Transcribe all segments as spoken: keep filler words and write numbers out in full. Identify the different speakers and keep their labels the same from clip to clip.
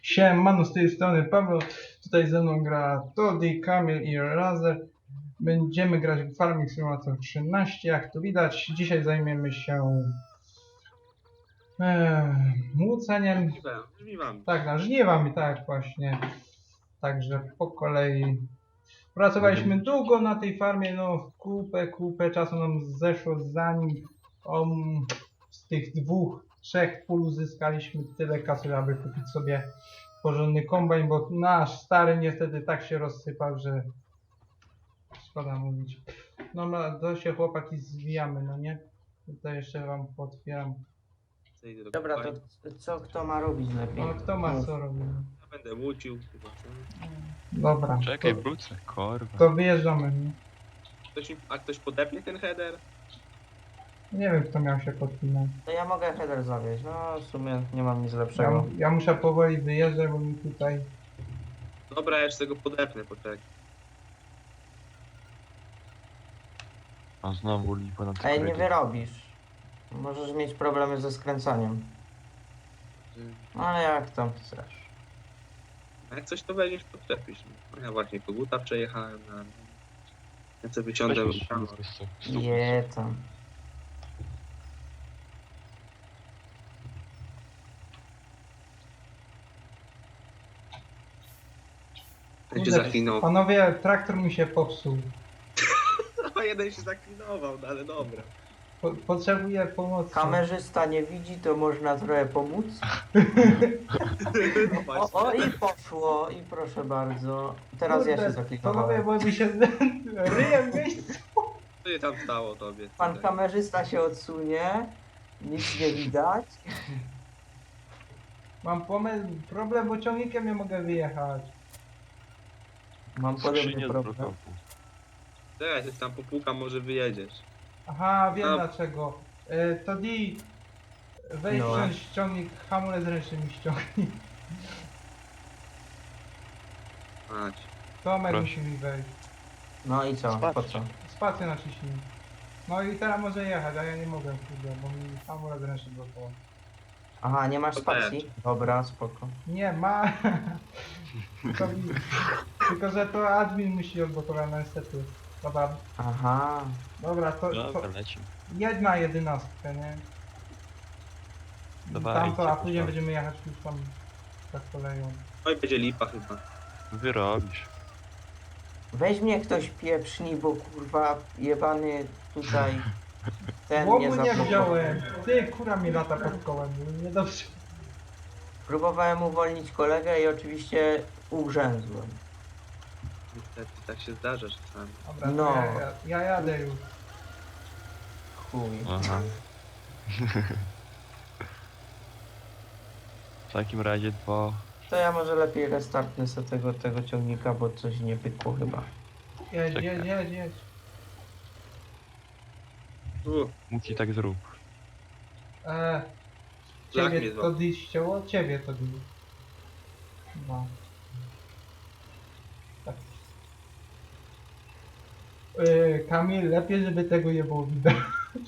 Speaker 1: Siemano, z tej strony Paweł, tutaj ze mną gra Toddy, Kamil i Razer. Będziemy grać w Farming Simulator trzynaście, jak tu widać. Dzisiaj zajmiemy się e, młóceniem.
Speaker 2: Żniwami.
Speaker 1: Tak, na żniwami, tak właśnie. Także po kolei. Pracowaliśmy długo na tej farmie, no kupę, kupę czasu nam zeszło, zanim um, z tych dwóch, trzech pól uzyskaliśmy tyle kasy, aby kupić sobie porządny kombajn, bo nasz stary niestety tak się rozsypał, że szkoda mówić. No no, to się chłopaki zwijamy, no nie? Tutaj jeszcze wam potwieram.
Speaker 3: Dobra, to co kto ma robić lepiej?
Speaker 1: No kto ma
Speaker 3: Mów.
Speaker 1: co robić?
Speaker 2: Ja będę łucił chyba.
Speaker 1: Dobra,
Speaker 4: Czekaj,
Speaker 1: to,
Speaker 4: wrócę, kurwa.
Speaker 1: to wyjeżdżamy, nie?
Speaker 2: Ktoś, mi- a ktoś podepnie ten header?
Speaker 1: Nie wiem kto miał się podpinać.
Speaker 3: To ja mogę header zawieźć, no w sumie nie mam nic
Speaker 1: Ja,
Speaker 3: lepszego.
Speaker 1: ja muszę powoli wyjeżdżać, bo mi tutaj...
Speaker 2: Dobra, ja jeszcze go podepnę, poczekaj.
Speaker 4: A znowu lipa na
Speaker 3: Ej,
Speaker 4: cyfry.
Speaker 3: nie wyrobisz. Możesz mieć problemy ze skręcaniem. No ale jak tam chcesz.
Speaker 2: A jak coś to weźmiesz, podczepisz. No ja właśnie koguta przejechałem na... Ja sobie wyciągnę...
Speaker 3: Je tam.
Speaker 2: Ten się zaklinował.
Speaker 1: Panowie, traktor mi się popsuł.
Speaker 2: A jeden się zaklinował, no ale dobra.
Speaker 1: Po, potrzebuję pomocy.
Speaker 3: Kamerzysta nie widzi, to można trochę pomóc.
Speaker 2: No
Speaker 3: O, o
Speaker 2: właśnie.
Speaker 3: i poszło, i proszę bardzo. Teraz ja się
Speaker 1: Panowie,
Speaker 3: zaklinowałem.
Speaker 1: bo mi się ryjem w miejscu.
Speaker 2: Co się tam stało tobie?
Speaker 3: Pan
Speaker 2: Tutaj?
Speaker 3: kamerzysta się odsunie. Nic nie widać.
Speaker 1: Mam pomysł, problem, bo ciągnikiem nie mogę wyjechać.
Speaker 3: Mam
Speaker 4: Skrzynię
Speaker 3: podobny
Speaker 4: z
Speaker 3: problem.
Speaker 4: blokowu.
Speaker 2: Czekaj, coś tam popukam, może wyjedziesz.
Speaker 1: Aha, wiem
Speaker 2: No.
Speaker 1: dlaczego. E, to Di, weź
Speaker 3: No.
Speaker 1: wziąć ciągnik, hamulec ręczny mi ściągnij.
Speaker 2: Mać.
Speaker 1: Tomek
Speaker 4: Proszę.
Speaker 1: musi mi wejść.
Speaker 3: No i co? Po co?
Speaker 1: Spację naciśnij. No i teraz może jechać, a ja nie mogę, kurde, bo mi hamulec ręczny blokował.
Speaker 3: Aha, nie masz
Speaker 2: To
Speaker 3: spacji? Dobra, spoko.
Speaker 1: Nie, ma. tylko, mi- tylko, że to admin musi odblokować, no niestety. Dobra,
Speaker 3: Aha.
Speaker 1: dobra, to, to
Speaker 4: Dobra, lecimy.
Speaker 1: jedź na jedenastkę, nie?
Speaker 4: Dawajcie,
Speaker 1: Tamto, a później
Speaker 4: proszę.
Speaker 1: będziemy jechać już tam tak koleją.
Speaker 2: No i będzie lipa chyba.
Speaker 4: Wyrobisz.
Speaker 3: Weź mnie ktoś pieprzni, bo kurwa jebany tutaj ten
Speaker 1: Łomu
Speaker 3: nie
Speaker 1: nie
Speaker 3: zablokował.
Speaker 1: wziąłem. Ty, kura mi lata pod kołem. Niedobrze.
Speaker 3: Próbowałem uwolnić kolegę i oczywiście ugrzęzłem.
Speaker 2: Niestety tak się zdarza czasami.
Speaker 1: Dobra,
Speaker 3: No.
Speaker 1: to ja, ja, ja jadę już.
Speaker 3: Chuj.
Speaker 4: Aha. W takim razie dwa...
Speaker 3: To ja może lepiej restartnę sobie tego, tego ciągnika, bo coś nie pykło chyba.
Speaker 1: Jedź,
Speaker 4: Czekaj.
Speaker 1: jedź, jedź, jedź.
Speaker 2: U,
Speaker 4: Muki tak zrób.
Speaker 1: E,
Speaker 2: Lach
Speaker 1: ciebie
Speaker 2: mnie
Speaker 1: to
Speaker 2: złapał.
Speaker 1: dziś ścięło? Ciebie to dziś. No. Tak. E, Kamil, lepiej, żeby tego nie było widać.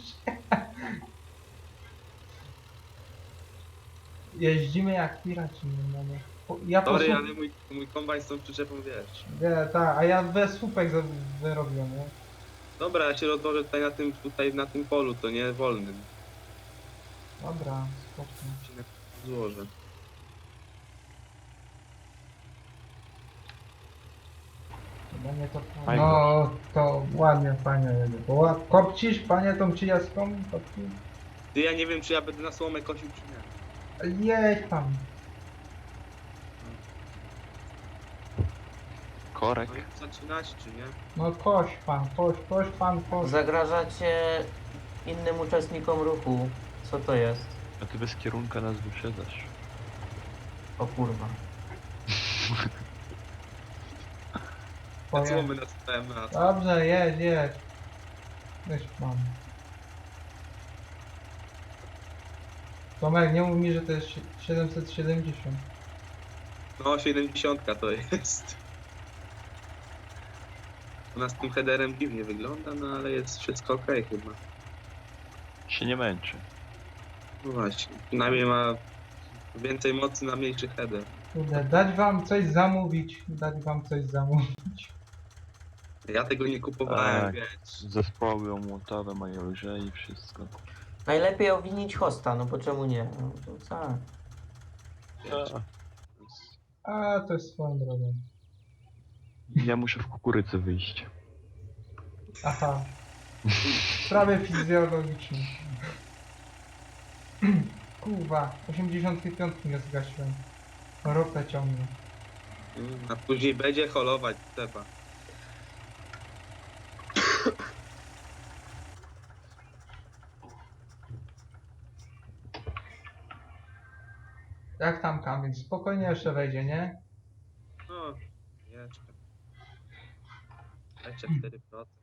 Speaker 1: Jeździmy jak piraci, no nie. Po- Ja po
Speaker 2: sorry,
Speaker 1: słup-
Speaker 2: ale mój, mój kombajn z tą przyczepą, wiesz.
Speaker 1: Nie, tak, a ja bez słupek za- wyrobiłem, nie?
Speaker 2: Dobra, ja się rozłożę tutaj na tym, tutaj na tym polu, to nie wolnym.
Speaker 1: Dobra, spoko.
Speaker 2: Się na złożę.
Speaker 1: Chyba nie to...
Speaker 4: Fajnie.
Speaker 1: No, to ładnie, fajnie jedzie. Bo ła- kopcisz, panie, tą trzydziestką? Kopcisz?
Speaker 2: Ty, ja nie wiem, czy ja będę na słomę kosił, czy nie.
Speaker 1: Jedź tam.
Speaker 4: Korek.
Speaker 2: No i zaczynać, czy nie?
Speaker 1: No koś pan, koś, koś pan, koś.
Speaker 3: Zagrażacie innym uczestnikom ruchu. Co to jest?
Speaker 4: A ty bez kierunka nas wyprzedzasz.
Speaker 3: O kurwa.
Speaker 2: Na
Speaker 1: Poje-
Speaker 2: słomy nastawiam na to.
Speaker 1: Dobrze, jedź, jedź. Jedź pan. Tomek, nie mów mi, że to jest si- siedemset siedemdziesiąt.
Speaker 2: No, siedemdziesiąt to jest. U nas tym headerem dziwnie wygląda, no ale jest wszystko ok chyba.
Speaker 4: Się nie męczy.
Speaker 2: No właśnie, przynajmniej ma Więcej mocy na mniejszy header.
Speaker 1: Kurde, dać wam coś zamówić, dać wam coś zamówić.
Speaker 2: Ja tego nie kupowałem,
Speaker 4: Tak.
Speaker 2: wiesz.
Speaker 4: Zespoły omłotowe mają lżej i wszystko.
Speaker 3: Najlepiej owinić hosta, no bo czemu nie? No, to tak.
Speaker 2: wiesz.
Speaker 4: A,
Speaker 1: A, to jest swoją drogą.
Speaker 4: ja muszę w kukurydzę wyjść.
Speaker 1: Aha. Sprawy fizjologiczne. Kurwa, osiemdziesiąt pięć nie zgasiłem. Ropę ciągnę.
Speaker 2: Mm, A później będzie holować trzeba.
Speaker 1: Jak tam Kamil? Spokojnie jeszcze wejdzie, nie?
Speaker 2: No, jeszcze. Jeszcze cztery procent.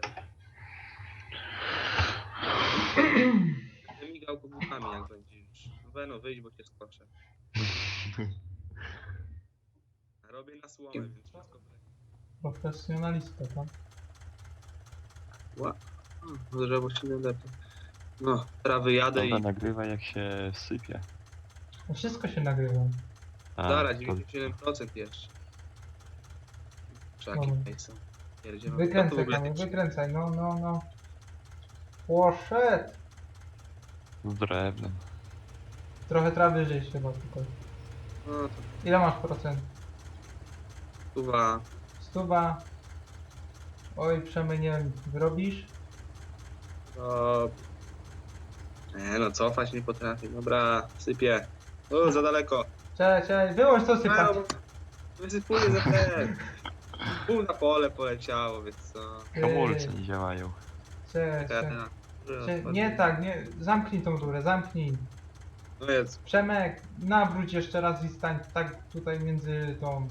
Speaker 2: Będę migał koguchami jak będzie już. No Beno, wyjdź, bo cię skoczę. Robię na słomę, więc wszystko będzie.
Speaker 1: Profesjonalista, tak?
Speaker 2: Ła. No, drzewo się nie lepiej. No, teraz wyjadę i...
Speaker 4: Dobra, nagrywa jak się sypie.
Speaker 1: No wszystko się nagrywa.
Speaker 4: A,
Speaker 2: Zaraz,
Speaker 4: to
Speaker 2: dziewięćdziesiąt siedem procent jeszcze. Czaki
Speaker 1: Dobra.
Speaker 2: tutaj są. Pierdzielą. Co to w
Speaker 1: Wykręcaj
Speaker 2: ogóle
Speaker 1: Kamil,
Speaker 2: jest?
Speaker 1: wykręcaj, no, no, no. Poszedł!
Speaker 4: z drewnem.
Speaker 1: Trochę trawy żeś chyba tylko.
Speaker 2: No to
Speaker 1: Ile masz procent?
Speaker 2: chyba...
Speaker 1: Stuba. Oj, Przemy, nie wiem, wyrobisz?
Speaker 2: To... Nie no, cofać nie potrafię. Dobra, sypię. O, za daleko.
Speaker 1: Cześć, cześć, wyłącz to sypać.
Speaker 2: A, bo wysypuję za ten. Pół na pole poleciało, więc co?
Speaker 4: Hamulce nie działają.
Speaker 1: Cześć,
Speaker 2: Ja
Speaker 1: cześć.
Speaker 2: teraz-
Speaker 1: Cze- Nie tak, nie, zamknij tą rurę, zamknij.
Speaker 2: No jest.
Speaker 1: Przemek, nawróć jeszcze raz i stań tak tutaj między tą,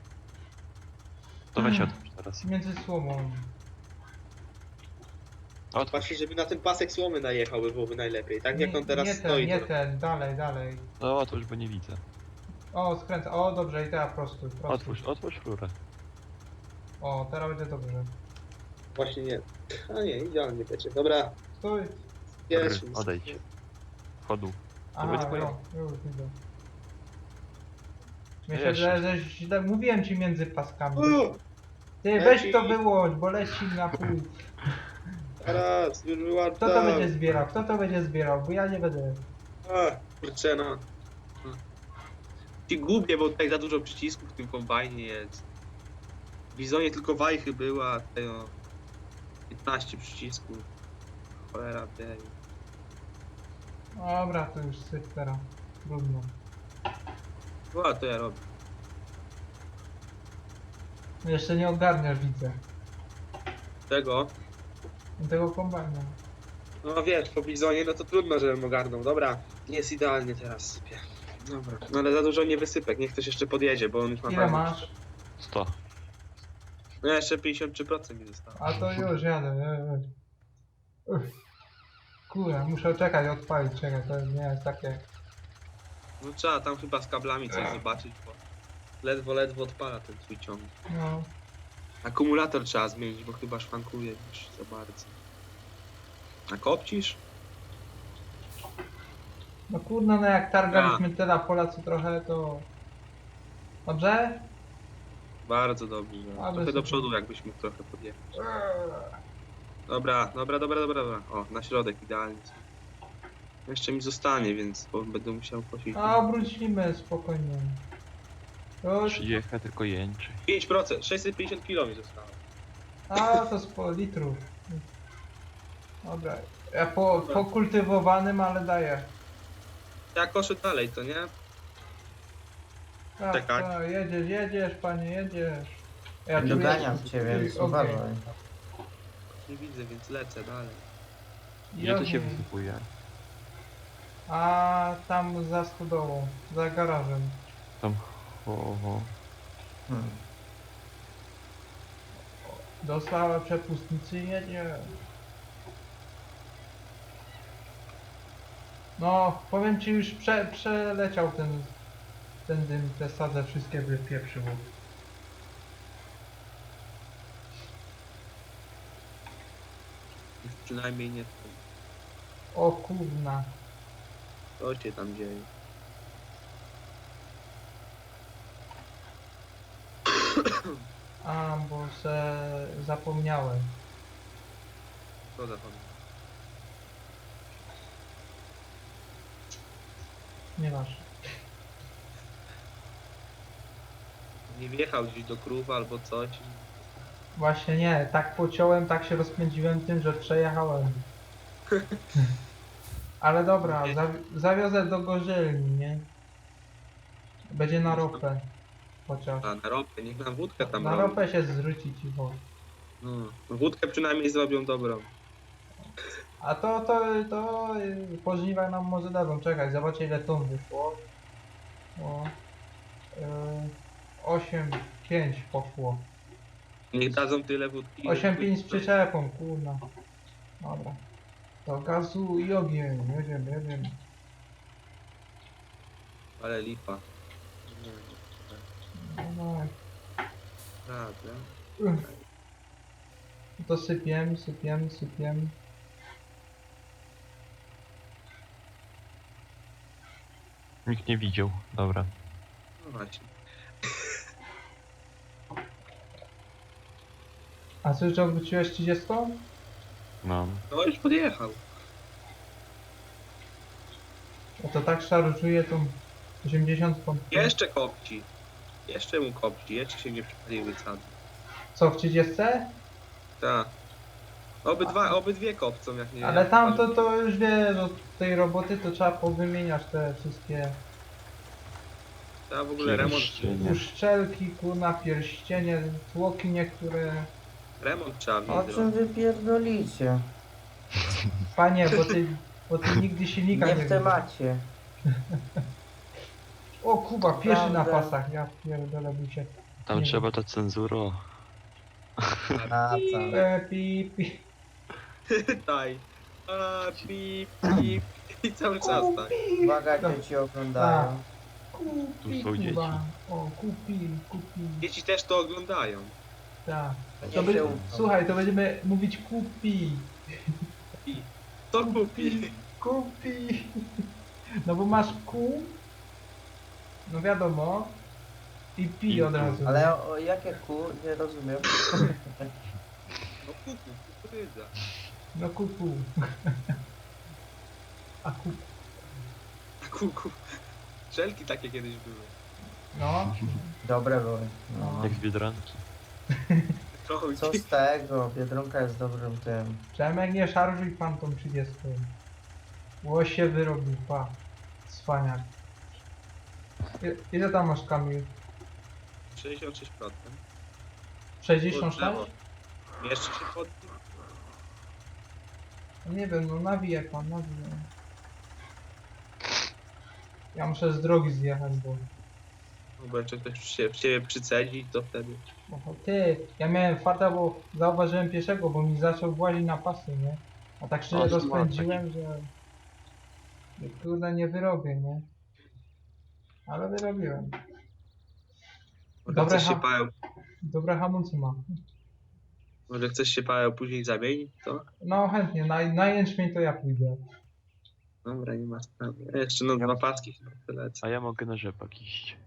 Speaker 4: To weź otwórz teraz.
Speaker 1: między słomą.
Speaker 4: Otwórz.
Speaker 2: Właśnie, żeby na ten pasek słomy najechał, by byłoby najlepiej. Tak jak on teraz
Speaker 1: nie
Speaker 2: stoi.
Speaker 1: ten, nie
Speaker 2: to...
Speaker 1: ten, dalej, dalej.
Speaker 4: No otwórz, bo nie widzę.
Speaker 1: O, skręca, o dobrze i teraz prostuj, prostuj.
Speaker 4: Otwórz, otwórz rurę.
Speaker 1: O, teraz będzie dobrze.
Speaker 2: Właśnie nie. A nie, idealnie będzie. Dobra,
Speaker 1: Stój.
Speaker 2: jest.
Speaker 4: Odejdź. Chodu.
Speaker 1: Aha,
Speaker 4: będzie twoje.
Speaker 1: no, już widzę. Myślę,
Speaker 4: Jeszcze.
Speaker 1: że, że źle, mówiłem ci między paskami.
Speaker 2: U,
Speaker 1: Ty, weź to wyłącz, bo leci na pół.
Speaker 2: Teraz, już wyłączam.
Speaker 1: Kto to będzie zbierał? Kto to będzie zbierał? Bo ja nie będę.
Speaker 2: A, kurczę, no. Ci gubię, bo tutaj za dużo przycisków w tym kombajnie jest. W Bizonie tylko wajchy była, tutaj o piętnaście przycisków. Cholera, tej.
Speaker 1: Dobra, to już syp teraz. Trudno.
Speaker 2: O, to ja robię.
Speaker 1: Jeszcze nie ogarniasz, widzę.
Speaker 2: Tego?
Speaker 1: Tego kombajna.
Speaker 2: No wiesz, po Bizonie, no to trudno, żebym ogarnął. Dobra, jest idealnie teraz sypie. Dobra, no ale za dużo nie wysypek, niech ktoś jeszcze podjedzie, bo on już ma
Speaker 1: Ile
Speaker 2: fajnie.
Speaker 1: masz?
Speaker 4: sto.
Speaker 2: No jeszcze pięćdziesiąt trzy procent mi zostało.
Speaker 1: A to już jadę. e, e. Uff. Kurde, muszę czekać, odpalić, czekaj, to nie jest takie...
Speaker 2: No trzeba tam chyba z kablami coś zobaczyć, bo ledwo, ledwo odpala ten twój ciągnik.
Speaker 1: No.
Speaker 2: Akumulator trzeba zmienić, bo chyba szwankuje już za bardzo. A kopcisz?
Speaker 1: No kurno, no jak targaliśmy tyle pola co trochę, to... Dobrze?
Speaker 2: Bardzo dobrze.
Speaker 1: Ale
Speaker 2: Trochę do
Speaker 1: super.
Speaker 2: przodu jakbyś mógł trochę podjechać.
Speaker 1: Eee.
Speaker 2: Dobra, dobra, dobra, dobra, dobra. O, na środek idealnie. Jeszcze mi zostanie, więc bo będę musiał kosić.
Speaker 1: A obrócimy spokojnie. Już.
Speaker 4: Przyjechać tylko jęczy.
Speaker 2: pięć procent, sześćset pięćdziesiąt kilo mi zostało.
Speaker 1: A to z po litrów. Dobra. Ja po, po kultywowanym, ale daję.
Speaker 2: Ja koszę dalej, to nie?
Speaker 1: Tak,
Speaker 2: Czekaj.
Speaker 1: tak, jedziesz, jedziesz, panie, jedziesz. Ja tu
Speaker 3: Doganiam
Speaker 1: jestem.
Speaker 3: cię, więc
Speaker 1: Okej.
Speaker 3: uważaj.
Speaker 2: Nie widzę, więc lecę dalej.
Speaker 4: Gdzie to się
Speaker 1: Ogień.
Speaker 4: wysypuje?
Speaker 1: A tam za stodołą, za garażem.
Speaker 4: Tam ho, ho.
Speaker 3: Hmm.
Speaker 1: Dostała przepustnicy i jedzie. No, powiem ci, już prze, przeleciał ten, ten dym, te sadze wszystkie wypieprzyło.
Speaker 2: Już przynajmniej nie to.
Speaker 1: O kurna.
Speaker 2: Co się tam dzieje?
Speaker 1: A, bo se zapomniałem.
Speaker 2: Co zapomniałem?
Speaker 1: Nieważne.
Speaker 2: Nie wjechał gdzieś do krów albo coś.
Speaker 1: Właśnie nie, tak pociąłem, tak się rozpędziłem tym, że przejechałem. Ale dobra, zawi zawiozę do Gorzelni, nie? Będzie na ropę. Chociaż.
Speaker 2: A na ropę, niech nam wódkę tam
Speaker 1: Na
Speaker 2: robią.
Speaker 1: ropę się zrzuci cicho.
Speaker 2: No, no wódkę przynajmniej zrobią dobrą.
Speaker 1: A to, to, to y, po żniwach nam może dadzą. Czekaj, zobaczę ile ton wyszło. O, y, osiem pięć poszło.
Speaker 2: Niech dadzą tyle wódki.
Speaker 1: osiem pięć z przyczepą, kurna. Dobra. To gazu i ogień, jedziemy, jedziemy.
Speaker 2: Ale lipa. Nie,
Speaker 1: No, no.
Speaker 2: Prawda?
Speaker 1: To sypiemy, sypiemy, sypiemy.
Speaker 4: Nikt nie widział. Dobra.
Speaker 2: No właśnie.
Speaker 1: A co, że odwróciłeś trzydziestą?
Speaker 4: No.
Speaker 2: No już podjechał.
Speaker 1: No to tak szarżuje tą osiemdziesiątką.
Speaker 2: Jeszcze kopci. Jeszcze mu kopci, jeszcze się nie przypaliły cady.
Speaker 1: Co, w trzydziestce?
Speaker 2: Tak. Obydwa, obydwie kopcą jak nie.
Speaker 1: Ale tam to, to już wiesz, od tej roboty to trzeba powymieniać te wszystkie
Speaker 2: Trzeba w ogóle remont.
Speaker 4: Pierścienie.
Speaker 1: uszczelki, kurna, pierścienie, tłoki niektóre.
Speaker 2: Remont trzeba
Speaker 3: O
Speaker 2: mieć.
Speaker 3: czym wy pierdolicie?
Speaker 1: Panie, bo ty, bo ty nigdy silnika
Speaker 3: Nie
Speaker 1: nie
Speaker 3: w temacie.
Speaker 1: O Kuba, pieszy na
Speaker 3: Prawda.
Speaker 1: pasach, ja pierdolę by się.
Speaker 4: Tam
Speaker 1: Nie
Speaker 4: trzeba ta cenzura.
Speaker 3: A tam.
Speaker 1: E, pi, pi.
Speaker 2: Daj. A, pip, pip. I cały czas tak.
Speaker 3: Uwaga, dzieci oglądają.
Speaker 1: Kupi,
Speaker 4: Tu są dzieci.
Speaker 1: Kuba. O, kupi, kupi.
Speaker 2: Dzieci też to oglądają.
Speaker 1: Tak.
Speaker 3: Nie
Speaker 1: To by,
Speaker 3: się ufam.
Speaker 1: słuchaj, to będziemy mówić kupi.
Speaker 2: To kupi.
Speaker 1: Kupi. No bo masz ku. No wiadomo. I pi
Speaker 4: I
Speaker 1: od
Speaker 4: ku.
Speaker 1: razu.
Speaker 3: Ale o, o jakie ku? Nie rozumiem.
Speaker 2: No kuku, kukurydza.
Speaker 1: No kuku. A ku.
Speaker 2: Kuku. Szelki takie kiedyś były.
Speaker 1: No.
Speaker 3: Dobre były. No.
Speaker 4: Jak z Biedronki.
Speaker 2: Trochę
Speaker 3: Co z tego? Biedronka jest dobrym tym.
Speaker 1: Przemek, nie szarżuj pan tą trzydziestką. Łoś się wyrobił, pa. Cwaniak. I- Ile tam masz, Kamil?
Speaker 2: sześćdziesiąt sześć procent.
Speaker 1: sześćdziesiąt sześć?
Speaker 2: Jeszcze się pod...
Speaker 1: No nie wiem, no nawijaj pan, nawijaj. Ja muszę z drogi zjechać, bo...
Speaker 2: No bo jeszcze ktoś się w ciebie przycedzi, to wtedy...
Speaker 1: Bo ty, ja miałem farta, bo zauważyłem pieszego, bo mi zaczął włazić na pasy, nie? A tak się
Speaker 4: O,
Speaker 1: rozpędziłem, że... że kurde nie wyrobię, nie? Ale wyrobiłem.
Speaker 2: Może
Speaker 1: Dobre
Speaker 2: chcesz się
Speaker 1: ha-
Speaker 2: Paweł...
Speaker 1: Dobre hamulce ma.
Speaker 2: Może chcesz się Paweł później zamienić, to?
Speaker 1: No chętnie, na, na jęczmień to ja pójdę.
Speaker 2: Dobra, nie ma sprawy. Ja jeszcze no dwa paski chyba wylecę.
Speaker 4: A ja mogę na rzepak iść.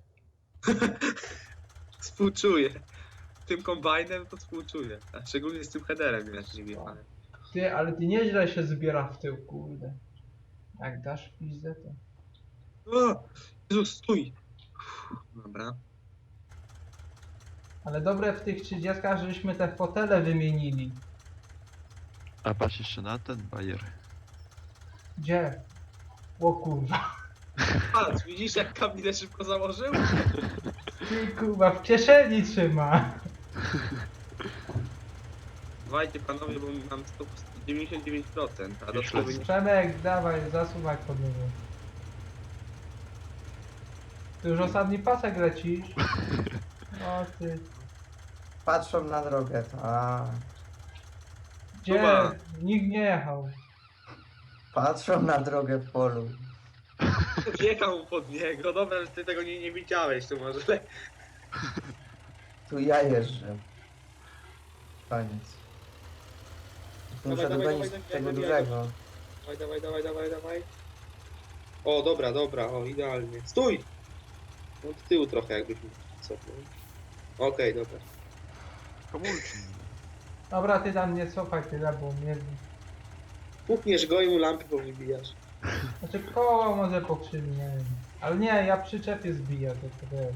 Speaker 2: Współczuję. Tym kombajnem to współczuję. A szczególnie z tym headerem jeszcze nie wjechałem.
Speaker 1: Ty, ale ty nieźle się zbiera w tył, kurde. Jak dasz pizdę, to...
Speaker 2: O! Jezus, stój! Dobra.
Speaker 1: Ale dobre w tych trzydziestkach, żeśmy te fotele wymienili.
Speaker 4: A patrz jeszcze na ten bajer.
Speaker 1: Gdzie? O kurwa.
Speaker 2: Patrz, widzisz jak kabinę szybko założył?
Speaker 1: Ty kurwa, w kieszeni trzyma.
Speaker 2: Słuchajcie panowie, bo mam sto dziewięćdziesiąt dziewięć procent, a do
Speaker 4: Myślę,
Speaker 2: szkoły nie...
Speaker 1: Przemek, dawaj, zasuwaj pod niego. Ty już ostatni pasek lecisz. O ty.
Speaker 3: Patrzą na drogę. A,
Speaker 1: Gdzie?
Speaker 2: Kuba.
Speaker 1: Nikt nie jechał.
Speaker 3: patrzą na drogę w polu.
Speaker 2: Wjechał pod niego, dobra, że ty tego nie, nie widziałeś, to może le...
Speaker 3: Tu ja jeżdżę. Koniec. Muszę
Speaker 2: Dawaj, dawaj,
Speaker 3: dogonić
Speaker 2: dawaj,
Speaker 3: tego
Speaker 2: dawaj,
Speaker 3: dużego.
Speaker 2: Dawaj, dawaj, dawaj, dawaj, dawaj. O, dobra, dobra, o, idealnie. Stój! No do tyłu trochę jakbyś mi cofnął. Okej, dobra.
Speaker 4: Komórki.
Speaker 1: Dobra, ty tam nie cofaj tyle, bo mnie...
Speaker 2: Pukniesz go i mu lampy powybijasz.
Speaker 1: Znaczy koło może pokrzywi, nie wiem. Ale nie, ja przyczepię zbiję, to to wiesz.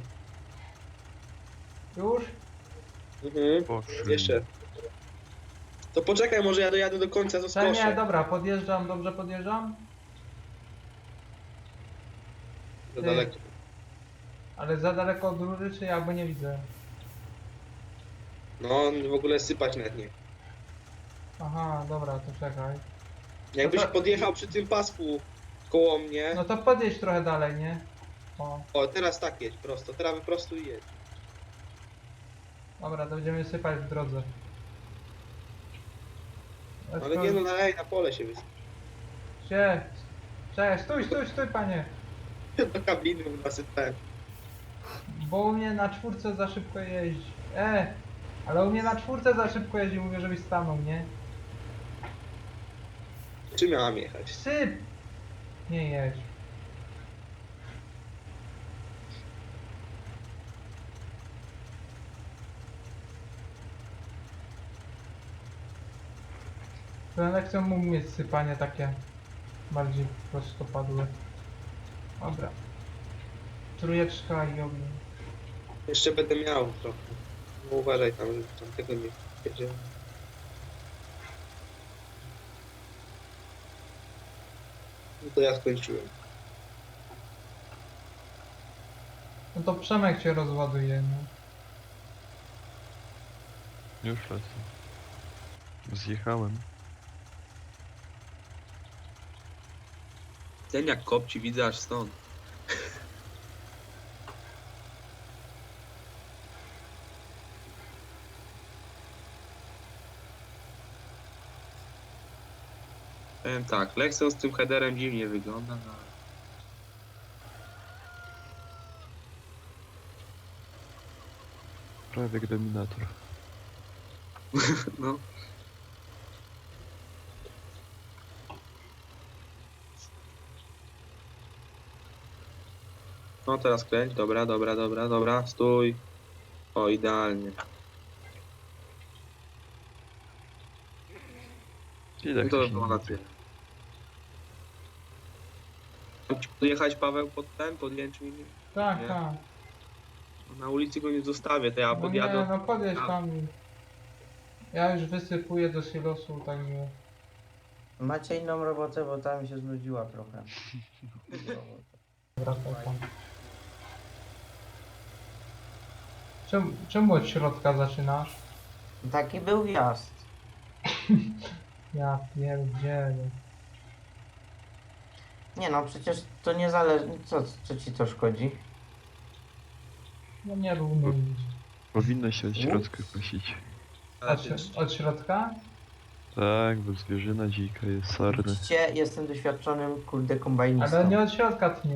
Speaker 1: Już?
Speaker 2: Mhm.
Speaker 4: Poszły.
Speaker 2: Jeszcze. To poczekaj, może ja dojadę do końca, to
Speaker 1: Ta nie,
Speaker 2: skoszę.
Speaker 1: dobra, podjeżdżam, dobrze podjeżdżam?
Speaker 2: Za
Speaker 1: Ty.
Speaker 2: daleko.
Speaker 1: Ale za daleko od rury, czy ja, bo nie widzę.
Speaker 2: No, w ogóle sypać nawet nie.
Speaker 1: Aha, dobra, to czekaj.
Speaker 2: Jakbyś
Speaker 1: No to-
Speaker 2: podjechał przy tym pasku koło mnie.
Speaker 1: No to podjedź trochę dalej, nie? O,
Speaker 2: O, teraz tak jedź prosto, teraz wyprostuj i jedź.
Speaker 1: dobra, to będziemy sypać w drodze.
Speaker 2: Ale nie no, na, ej, na pole się wysyp.
Speaker 1: Gdzie? Cześć, stój, stój, stój, panie!
Speaker 2: Do kabiny nasypałem.
Speaker 1: Bo u mnie na czwórce za szybko jeździ. E! Ale u mnie na czwórce za szybko jeździ, mówię, żebyś stanął, nie?
Speaker 2: Czy miałam jechać?
Speaker 1: Syp! Nie jedź. Ten lekcją mógł mieć sypanie takie bardziej prostopadłe. Dobra. Trójeczka i ogień.
Speaker 2: Jeszcze będę miał trochę. No uważaj tam, żeby tam tego nie wiedział. No to ja skończyłem.
Speaker 1: No to Przemek się rozładuje, no.
Speaker 4: Już lecę. Zjechałem.
Speaker 2: Ten jak kopci widzę aż stąd. Powiem tak, Lexon z tym headerem dziwnie wygląda, no.
Speaker 4: Prawie jak dominator.
Speaker 2: no. No teraz kręć, dobra, dobra, dobra, dobra, stój. O, idealnie.
Speaker 4: Ile
Speaker 2: No to by
Speaker 4: ktoś
Speaker 2: było
Speaker 4: nie
Speaker 2: na tyle. Mam ci podjechać, Paweł, pod ten, pod Jęczmiń?
Speaker 1: Tak,
Speaker 2: Nie.
Speaker 1: tak.
Speaker 2: Na ulicy go nie zostawię, to ja
Speaker 1: No nie,
Speaker 2: podjadę.
Speaker 1: no podjedź
Speaker 2: A.
Speaker 1: tam. i- Ja już wysypuję do silosu, także...
Speaker 3: Macie inną robotę, bo ta mi się znudziła trochę.
Speaker 1: Wracaj tam. Czemu, czemu od środka zaczynasz?
Speaker 3: Taki był wjazd.
Speaker 1: Ja pierdzielę.
Speaker 3: Nie no, przecież to nie zależy. Co, co ci to szkodzi?
Speaker 1: No nie równo iść.
Speaker 4: Powinno się od środka kosić.
Speaker 2: Ale
Speaker 1: Od,
Speaker 2: ty,
Speaker 1: śro- od środka?
Speaker 4: Tak, bo zwierzyna dzika jest sarny.
Speaker 3: Widzicie, jestem doświadczonym kurde kombajnistą.
Speaker 1: Ale nie od środka tnie.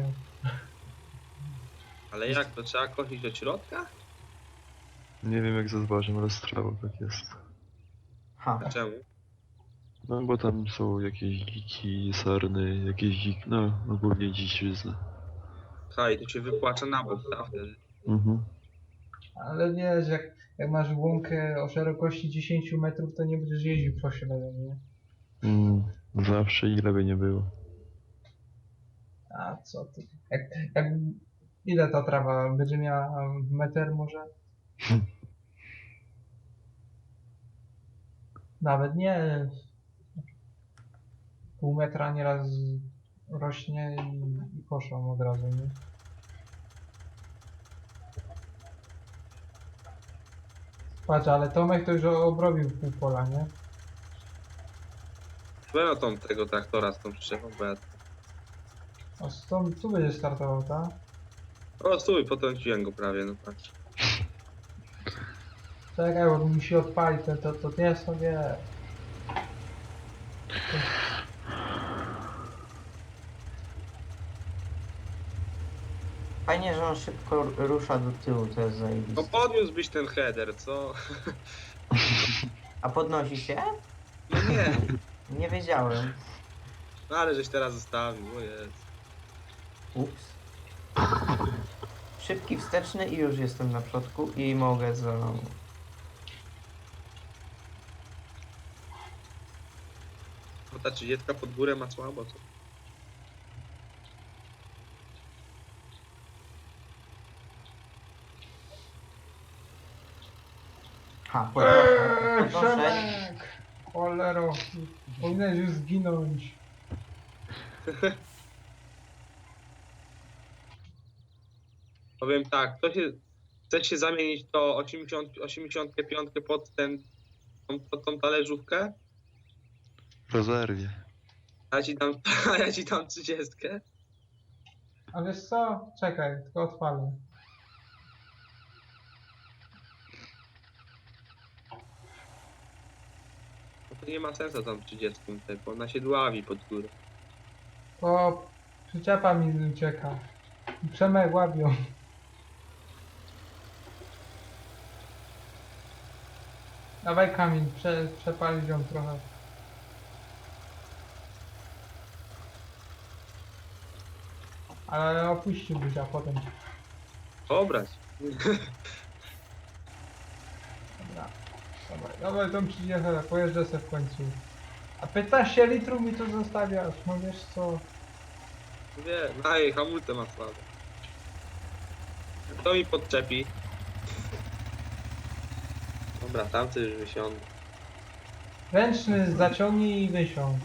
Speaker 2: ale jak, to trzeba kosić od środka?
Speaker 4: Nie wiem jak ze zbożem rozstrało tak jest.
Speaker 3: Ha.
Speaker 2: Czemu?
Speaker 4: No bo tam są jakieś dziki, sarny, jakieś dzik... no ogólnie dziczyzna.
Speaker 2: Haj, to się wypłaca na bok, tak wtedy.
Speaker 4: Mhm.
Speaker 1: Ale wiesz, jak, jak masz łąkę o szerokości dziesięć metrów, to nie będziesz jeździł po środku, nie?
Speaker 4: Mm, zawsze ile by nie było.
Speaker 1: A co ty? Jak, jak, ile ta trawa będzie miała? Metr może? Nawet nie. Pół metra nieraz rośnie i, i koszą od razu, nie? Patrz, ale Tomek to już obrobił pół pola, nie?
Speaker 2: Weź tą tego traktora z tą przyczepą, bo ja...
Speaker 1: A stąd tu będzie startował, tak?
Speaker 2: O, stój, potrąciłem go prawie, no patrz.
Speaker 1: Czekaj, bo musi odpalić, to, to, to nie sobie.
Speaker 3: Fajnie, że on szybko rusza do tyłu, to jest
Speaker 2: No
Speaker 3: zajebiste.
Speaker 2: podniósłbyś ten header, co?
Speaker 3: A podnosi się?
Speaker 2: No nie,
Speaker 3: Nie wiedziałem.
Speaker 2: no ale żeś teraz zostawił, o jest.
Speaker 3: Ups. szybki wsteczny i już jestem na przodku i mogę za...
Speaker 2: Bo ta trzydziestka pod górę ma słabo, co?
Speaker 3: Ha,
Speaker 1: Eee,
Speaker 3: podnoszę, podnoszę.
Speaker 1: Przemek! Cholero, powinieneś już zginąć.
Speaker 2: Powiem tak, to się, chce się zamienić to osiemdziesiąt, osiemdziesiąt pięć pod ten, tą, pod tą talerzówkę,
Speaker 4: W rezerwie.
Speaker 2: a ja ci dam, a ja ci dam trzydziestkę.
Speaker 1: A wiesz co? Czekaj, tylko odpalę.
Speaker 2: No to nie ma sensu tam trzydziestką tutaj, bo ona się dławi pod górę.
Speaker 1: O, przyczepa mi ucieka. Przemek łabią. Dawaj Kamil, prze, przepalić ją trochę. Ale opuściłbyś, a potem.
Speaker 2: Obrać.
Speaker 1: Dobra, dawaj, dawaj tą trzydziestkę, pojeżdżę se w końcu. A piętnaście litrów mi tu zostawiasz, no wiesz co?
Speaker 2: Wie, no i hamulce ma słabe. Kto mi podczepi? Dobra, tamty już wysiądę.
Speaker 1: Ręczny zaciągnij i wysiądź.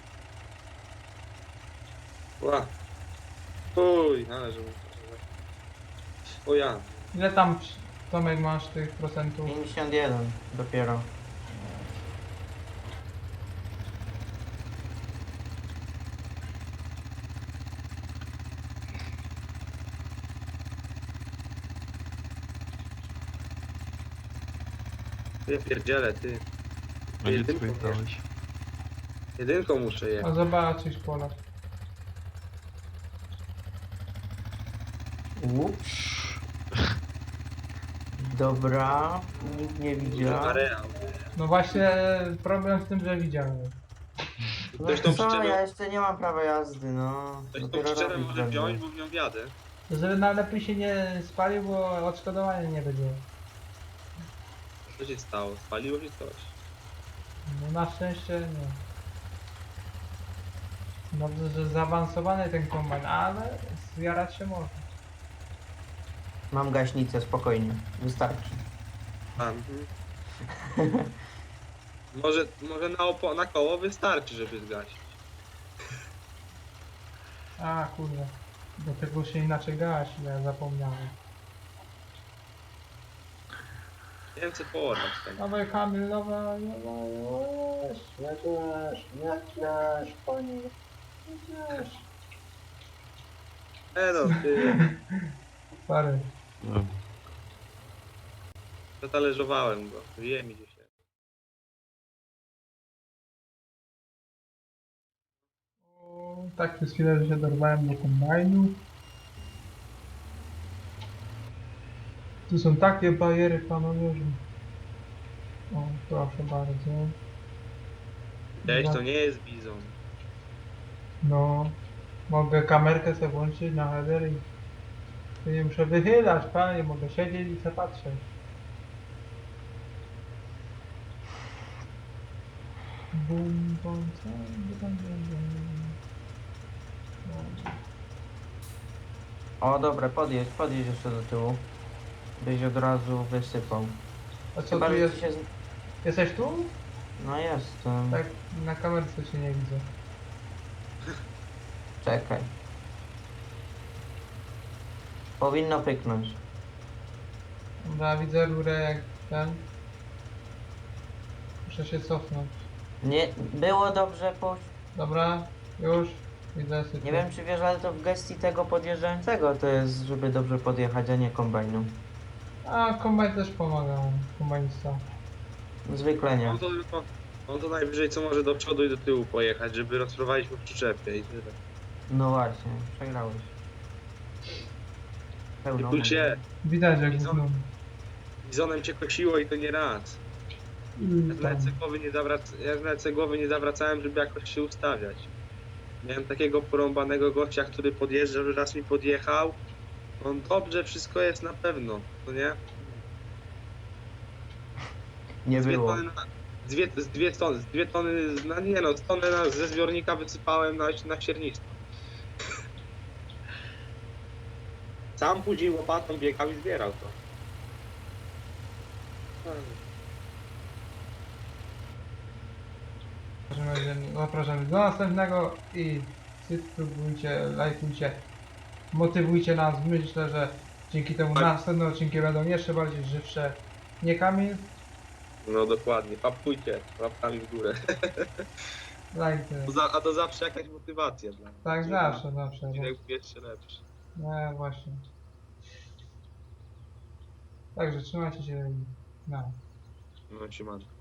Speaker 2: Ła. Uj, należy mu. O ja.
Speaker 1: Ile tam, Tomek, masz tych procentów?
Speaker 3: pięćdziesiąt jeden dopiero.
Speaker 2: Ty pierdzielę, ty.
Speaker 4: A gdzie ty
Speaker 2: Jedynką,
Speaker 4: pojechałeś?
Speaker 2: jedynką muszę
Speaker 1: A
Speaker 2: jechać.
Speaker 1: zobaczysz pola.
Speaker 3: Ups. Dobra, nikt nie
Speaker 2: Na
Speaker 3: widział.
Speaker 2: areał.
Speaker 1: No właśnie problem w tym, że widziałem.
Speaker 3: No
Speaker 2: Ktoś tą
Speaker 3: co,
Speaker 2: przyczepę,
Speaker 3: ja jeszcze nie mam prawa jazdy, no.
Speaker 2: ktoś tą
Speaker 3: Dopiero
Speaker 2: przyczepę
Speaker 3: robić
Speaker 2: może
Speaker 3: będę.
Speaker 2: wziąć, bo w nią wjadę.
Speaker 1: Żeby najlepiej się nie spalił, bo odszkodowania nie będzie.
Speaker 2: Co się stało? Spaliło się coś.
Speaker 1: No na szczęście nie. Dobrze, że zaawansowany ten kombajn, ale zjarać się może.
Speaker 3: Mam gaśnicę, spokojnie. Wystarczy.
Speaker 2: A, mhm. Może, może na, opo- na koło wystarczy, żeby zgasić.
Speaker 1: A kurde. Do tego się inaczej gasi, ja zapomniałem.
Speaker 2: Nie wiem co połatać tam.
Speaker 1: Dawaj Kamil, dawaj, dawaj, jeźdź, jedziesz, jedziesz, panie, jedziesz.
Speaker 2: E no, ty,
Speaker 1: Sorry.
Speaker 4: No,
Speaker 2: zatalerzowałem go. Wie mi dzisiaj.
Speaker 1: O, tak przez chwilę, że się dorwałem do kombajnu. Tu są takie bariery, panowie, że... O, proszę bardzo.
Speaker 2: Cześć,
Speaker 1: Za-
Speaker 2: to nie jest bizon.
Speaker 1: No, mogę kamerkę sobie włączyć na header i... i nie muszę wychylać, panie, mogę siedzieć i sobie patrzeć. Bum, bum, co? Bum, bum, bum. No.
Speaker 3: O, dobra, podjedź, podjedź jeszcze do tyłu. Byś od razu wysypał.
Speaker 1: A co
Speaker 3: Chyba,
Speaker 1: tu
Speaker 3: że
Speaker 1: jest?
Speaker 3: ci się... z-
Speaker 1: Jesteś tu?
Speaker 3: No jestem.
Speaker 1: Tak, na kamerce się nie widzę.
Speaker 3: Czekaj. Powinno pyknąć.
Speaker 1: Dobra, widzę rurę jak ten. Muszę się cofnąć.
Speaker 3: Nie, było dobrze po...
Speaker 1: Dobra, już. Widzę sytuację.
Speaker 3: Nie wiem czy wiesz, ale to w gestii tego podjeżdżającego to jest, żeby dobrze podjechać, a nie kombajnu.
Speaker 1: A, kombajn też pomaga. Kombajnista.
Speaker 3: Zwykle nie.
Speaker 2: On to tylko, on to najwyżej co może do przodu i do tyłu pojechać, żeby rozprowadzić po przyczepie i tyle.
Speaker 3: No właśnie, przegrałeś. Pełno.
Speaker 2: Kulcie,
Speaker 1: Widać jak
Speaker 2: Widzą?
Speaker 1: gówno.
Speaker 2: bizonem cię kosiło i to nie raz. Ja
Speaker 1: I
Speaker 2: nawet
Speaker 1: tam.
Speaker 2: sobie głowy nie, zawrac- ja nawet sobie głowy nie zawracałem, żeby jakoś się ustawiać. Miałem takiego porąbanego gościa, który podjeżdżał, że raz mi podjechał No dobrze, wszystko jest na pewno, no nie?
Speaker 3: Nie
Speaker 2: Dwie
Speaker 3: było.
Speaker 2: tony na, dwie, z dwie tony, z dwie tony, z- no nie no, z tony na, ze zbiornika wysypałem na, na siernictwo. Sam później łopatą biegał i zbierał to.
Speaker 1: W każdym razie zapraszamy do następnego i subskrybujcie, lajkujcie, motywujcie nas. Myślę, że dzięki temu
Speaker 2: Tak.
Speaker 1: następne odcinki będą jeszcze bardziej żywsze. Nie Kamil?
Speaker 2: No dokładnie, papkujcie łapkami w górę.
Speaker 1: Lajty.
Speaker 2: To za, a to zawsze jakaś motywacja dla mnie.
Speaker 1: Tak,
Speaker 2: żeby
Speaker 1: zawsze, zawsze.
Speaker 2: Odcinek był jeszcze lepszy.
Speaker 1: Nie, właśnie. Także trzymajcie się i na.
Speaker 2: No, siemanko.